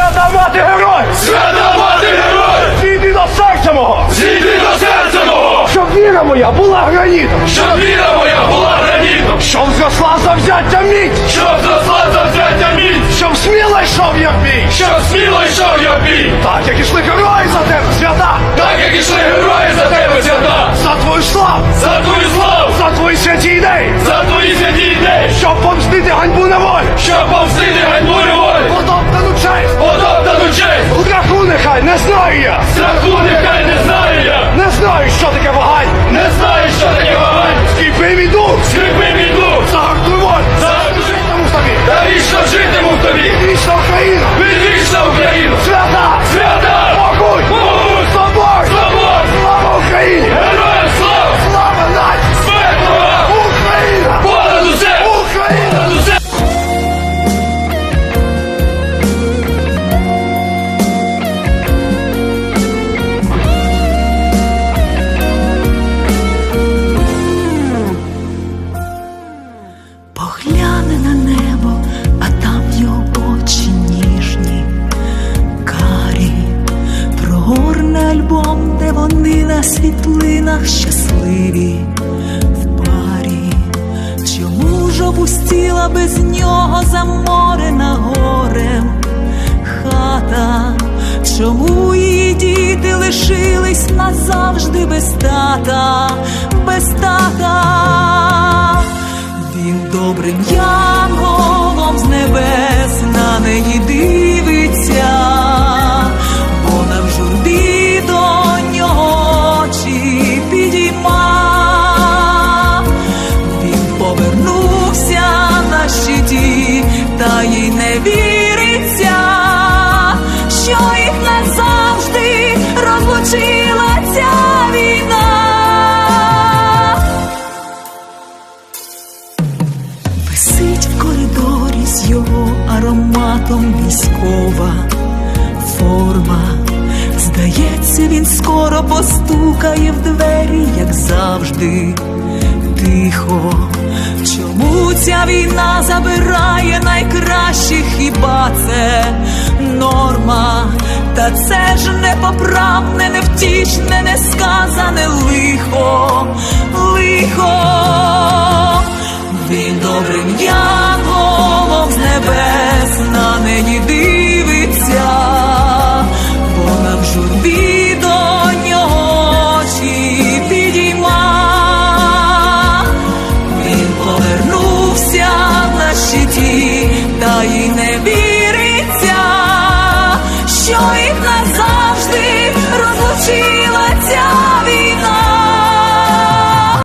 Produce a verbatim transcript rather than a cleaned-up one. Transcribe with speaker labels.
Speaker 1: Свята мати героїв!
Speaker 2: Свята мати героїв!
Speaker 1: Зійди до серця мого!
Speaker 2: Зійди до серця мого!
Speaker 1: Щоб віра моя була гранітом!
Speaker 2: Щоб віра моя була гранітом!
Speaker 1: Щоб зросла завзяття міць!
Speaker 2: Щоб зросла завзяття міць!
Speaker 1: Щоб сміло йшов я в бій!
Speaker 2: Щоб сміло йшов я в бій!
Speaker 1: Так, як ішли герої за тебе, свята!
Speaker 2: Так, як ішли герої за тебе, свята!
Speaker 1: За твою славу!
Speaker 2: За твою славу!
Speaker 1: За твої святі ідеї!
Speaker 2: За твої святі ідеї!
Speaker 1: Щоб помстити ганьбу на волю!
Speaker 2: Щоб помстити ганьбу неволі!
Speaker 1: Потоптану честь!
Speaker 2: Потоптану честь!
Speaker 1: Страху нехай не знаю я!
Speaker 2: Страху нехай не знаю я!
Speaker 1: Не знаю, що таке вагань!
Speaker 2: Не знаю, що таке вагань!
Speaker 1: Скріпи мій дух!
Speaker 2: Скріпи мій дух!
Speaker 1: Загартуй волю!
Speaker 2: Загартуй
Speaker 1: Житиму в тобі!
Speaker 2: Та вічно житиму в тобі!
Speaker 1: Вічна Україна!
Speaker 2: Відвічна Україна!
Speaker 1: Свята!
Speaker 2: Свята!
Speaker 1: Могуть!
Speaker 2: Могуть!
Speaker 1: Собор!
Speaker 2: Собор!
Speaker 1: Слава Україні!
Speaker 2: Героям слава!
Speaker 1: Слава нації!
Speaker 2: Смерть ворогам!
Speaker 1: Україна!
Speaker 2: Понад усе!
Speaker 1: Україна!
Speaker 2: Понад усе!
Speaker 3: Погляне на небо, а там його очі ніжні, карі, прогорне альбом, де вони на світлинах щасливі в парі. Чому ж опустіла без нього заморена горем хата? Чому її діти лишились назавжди без тата, без тата? Він добрим янголом з небес на неї дивиться, вона в журбі до нього очі підійма. Він повернувся на щиті, та їй не віриться, що їх назавжди розлучила ця війна. Висить в коридорі з його ароматом військова форма. Здається, він скоро постукає в двері, як завжди, тихо. Чому ця війна забирає найкращих, хіба це норма? Та це ж непоправне, невтішне, несказане лихо, лихо. Він добрим янголом з небес на неї дивиться, вона в журбі до нього очі підійма. Він повернувся на щиті, та їй не віриться, що їх назад